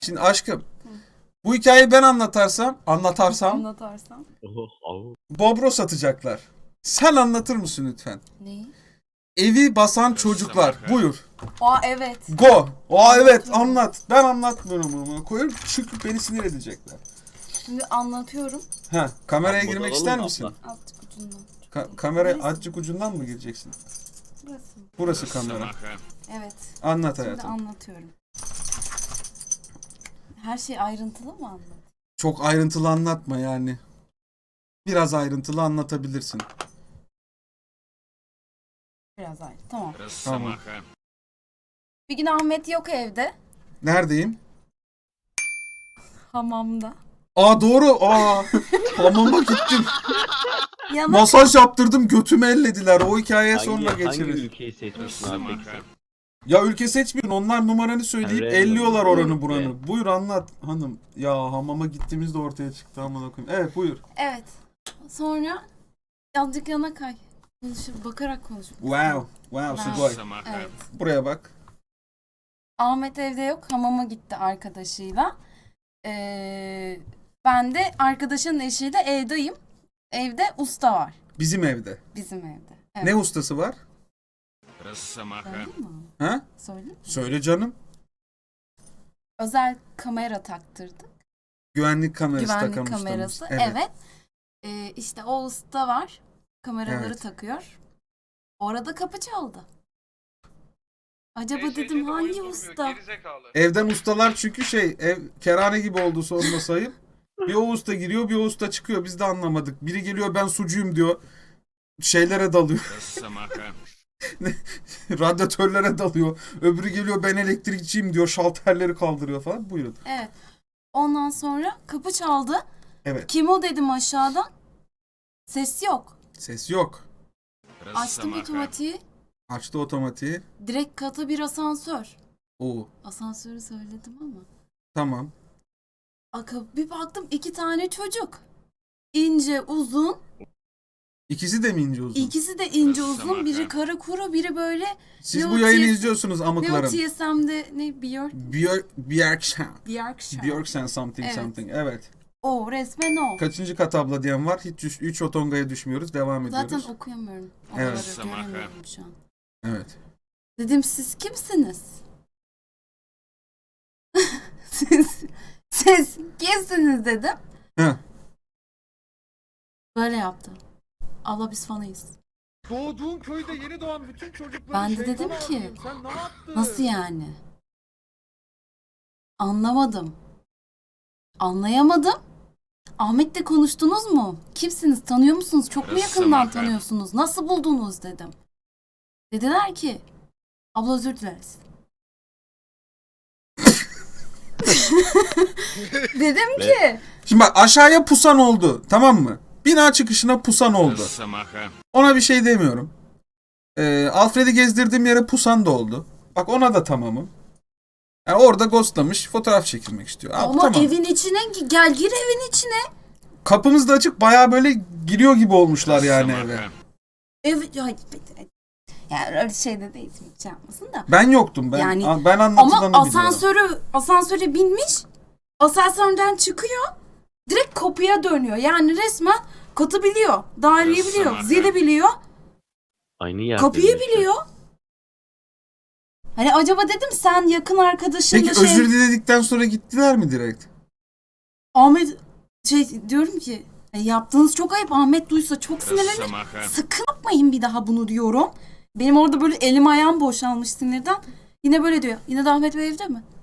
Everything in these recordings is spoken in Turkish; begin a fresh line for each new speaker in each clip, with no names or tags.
Şimdi aşkım, bu hikayeyi ben anlatarsam Bobro satacaklar. Sen anlatır mısın lütfen?
Neyi?
Evi basan çocuklar. Buyur.
Aa evet.
Go. Aa evet anlat. Ben anlatmıyorum ama koyuyorum çünkü beni sinir edecekler.
Şimdi anlatıyorum.
Ha, kameraya
Abla,
girmek
alalım
ister
mı
misin?
abla?
Azıcık ucundan.
Kameraya
Burası.
azıcık ucundan mı gireceksin?
Burası.
Burası kamera.
Evet.
Anlat
Şimdi
hayatım.
anlatıyorum. Her şey ayrıntılı mı anlat?
Çok ayrıntılı anlatma yani. Biraz ayrıntılı anlatabilirsin.
Biraz ayrı. Tamam.
Tamam.
Bir gün Ahmet yok evde.
Neredeyim?
Hamamda.
Aa doğru. Aa. Hamama gittim.
Yana
Masaj yaptırdım. Götümü ellediler. O hikayeye sonra
Hangi
geçeriz.
ülkeyi seçmişsin abi peki sen?
Ya ülke seçmiyorsun. Onlar numaranı söyleyip
Evet,
elliyorlar oranı
evet.
buranı. Buyur anlat hanım. Ya hamama gittiğimizde ortaya çıktı amına koyayım. Evet buyur.
evet. Sonra azıcık yana kay. Bakarak konuş.
Wow. Wow Sugoi.
Evet.
Buraya bak.
Ahmet evde yok. Hamama gitti arkadaşıyla. Ben de arkadaşın eşiyle evdeyim. Evde usta var.
Bizim evde.
Bizim evde. Evet.
Ne ustası var?
Söyleyeyim mi?
Ha?
Söyleyeyim mi?
Söyle canım.
Özel kamera taktırdık.
Güvenlik kamerası
Güvenlik
takan
kamerası.
ustamız.
Evet. İşte o usta var. Kameraları
Evet.
takıyor. Orada kapı çaldı. Acaba dedim hangi usta?
Evden ustalar çünkü ev kerane gibi oldu sonuna sayıp. Bir o usta giriyor bir o usta çıkıyor. Biz de anlamadık. Biri geliyor ben sucuyum diyor. Şeylere dalıyor. Radyatörlere dalıyor. Öbürü geliyor ben elektrikçiyim diyor. Şalterleri kaldırıyor falan. Buyurun.
Evet. Ondan sonra kapı çaldı.
Evet.
Kim o dedim aşağıdan. Ses yok.
Ses yok.
Açtım otomatiği.
Açtı otomatiği.
Direkt kata bir asansör.
Oo.
Asansörü söyledim ama.
Tamam.
Bir baktım 2 tane çocuk. İnce uzun.
İkisi de mi ince uzun?
İkisi de ince uzun. Biri kara kuru biri böyle.
Siz
ne
bu
o
yayını
TS
izliyorsunuz
Ne o
amıklarım.
TSM'de ne Björk?
Björksen.
Björkşen.
Björksen something
Evet.
something. Evet.
O resmen o.
Kaçıncı kat abla diyen var? Hiç 3 otongaya düşmüyoruz. Devam ediyoruz.
Zaten okuyamıyorum.
Evet.
Oraları göremiyorum şu an.
Evet.
Dedim siz kimsiniz? siz kimsiniz dedim.
Heh.
Böyle yaptı. Abla biz fanıyız.
Doğduğun köyde yeni doğan bütün çocukları
Ben de
şeytana
dedim ki,
atayım. Sen ne yaptın?
Nasıl yani? Anlamadım. Anlayamadım. Ahmet'le konuştunuz mu? Kimsiniz? Tanıyor musunuz? Çok mu yakından tanıyorsunuz? Nasıl buldunuz dedim. Dediler ki abla özür dileriz. Dedim ki
Şimdi bak aşağıya pusan oldu. Tamam mı? Bina çıkışına pusan oldu. Ona bir şey demiyorum. Alfred'i gezdirdiğim yere pusan da oldu. Bak ona da tamamım. Yani orada ghostlamış fotoğraf çekilmek istiyor. Abi,
ama
tamam.
evin içine gel gir evin içine.
Kapımız da açık bayağı böyle giriyor gibi olmuşlar yani eve.
Yani öyle şey de değil hiç yapmasın da.
Ben yoktum. Ben
Yani,
ben anlatılanı
ama
biliyorum.
asansöre binmiş. Asansörden çıkıyor. Direkt kapıya dönüyor. Yani resmen katı biliyor. Daireyi biliyor. Zili biliyor.
Aynı yerde.
Kapıyı biliyor. Hani acaba dedim sen yakın arkadaşınla
Peki özür diledikten sonra gittiler mi direkt?
Ahmet diyorum ki yaptığınız çok ayıp. Ahmet duysa çok sinirlenir. Sakın yapmayın bir daha bunu diyorum. Benim orada böyle elim ayağım boşalmış sinirden. Yine böyle diyor. Yine de Ahmet Bey evde mi?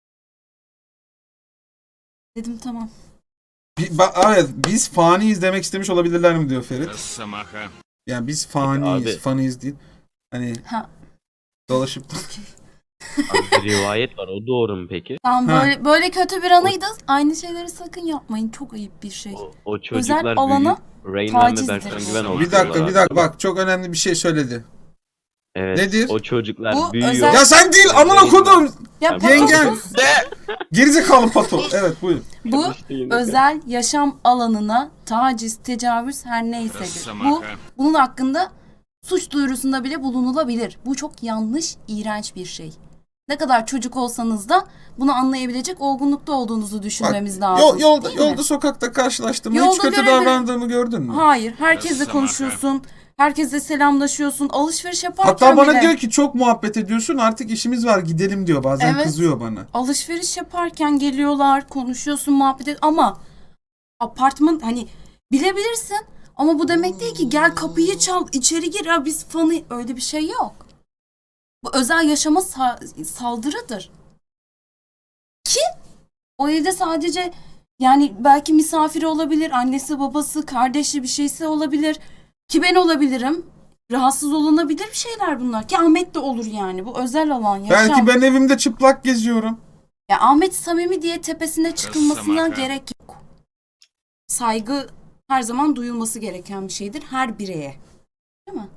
Dedim tamam.
Evet biz faniyiz demek istemiş olabilirler mi diyor Ferit. Yani biz faniyiz.
Abi.
Faniyiz değil. Hani
Ha.
dolaşıp da.
Abi, bir rivayet var. O doğru mu peki?
Tamam
Ha.
böyle kötü bir anıydı. Aynı şeyleri sakın yapmayın. Çok ayıp bir şey.
O çocuklar
Özel alana
büyüyüp Rain Man ve
tacizdir.
Berkcan Güven oldu.
Bir dakika bak çok önemli bir şey söyledi.
Evet.
Nedir?
O çocuklar
Bu
büyüyor.
özel-
Ya sen değil amına kodum.
Ya
Yengen.
patosuz.
Gerizekalı pato. Evet buyur.
Bu özel yaşam alanına taciz, tecavüz her neysedir. Bunun hakkında suç duyurusunda bile bulunulabilir. Bu çok yanlış, iğrenç bir şey. Ne kadar çocuk olsanız da bunu anlayabilecek olgunlukta olduğunuzu düşünmemiz
Bak,
lazım.
yolda,
değil mi?
yolda sokakta karşılaştığımda
Yolda
hiç kötü
görebilir-
davrandığımı gördün mü?
Hayır. Herkesle konuşuyorsun. Herkesle selamlaşıyorsun. Alışveriş yaparken
Hatta bana
bile.
diyor ki çok muhabbet ediyorsun artık işimiz var gidelim diyor. Bazen
Evet.
kızıyor bana.
Alışveriş yaparken geliyorlar, konuşuyorsun, muhabbet et. Ama apartman hani bilebilirsin. Ama bu demek değil ki gel kapıyı çal, içeri gir ya biz fanı. Öyle bir şey yok. Bu özel yaşama saldırıdır. Ki o evde sadece yani belki misafiri olabilir, annesi, babası, kardeşi bir şeysi olabilir. Ki ben olabilirim. Rahatsız olunabilir bir şeyler bunlar. Ki Ahmet de olur yani. Bu özel alan, yaşam.
Belki ben evimde çıplak geziyorum.
Ya Ahmet samimi diye tepesine çıkılmasına
Ressam
gerek yok. Saygı her zaman duyulması gereken bir şeydir her bireye. Değil mi?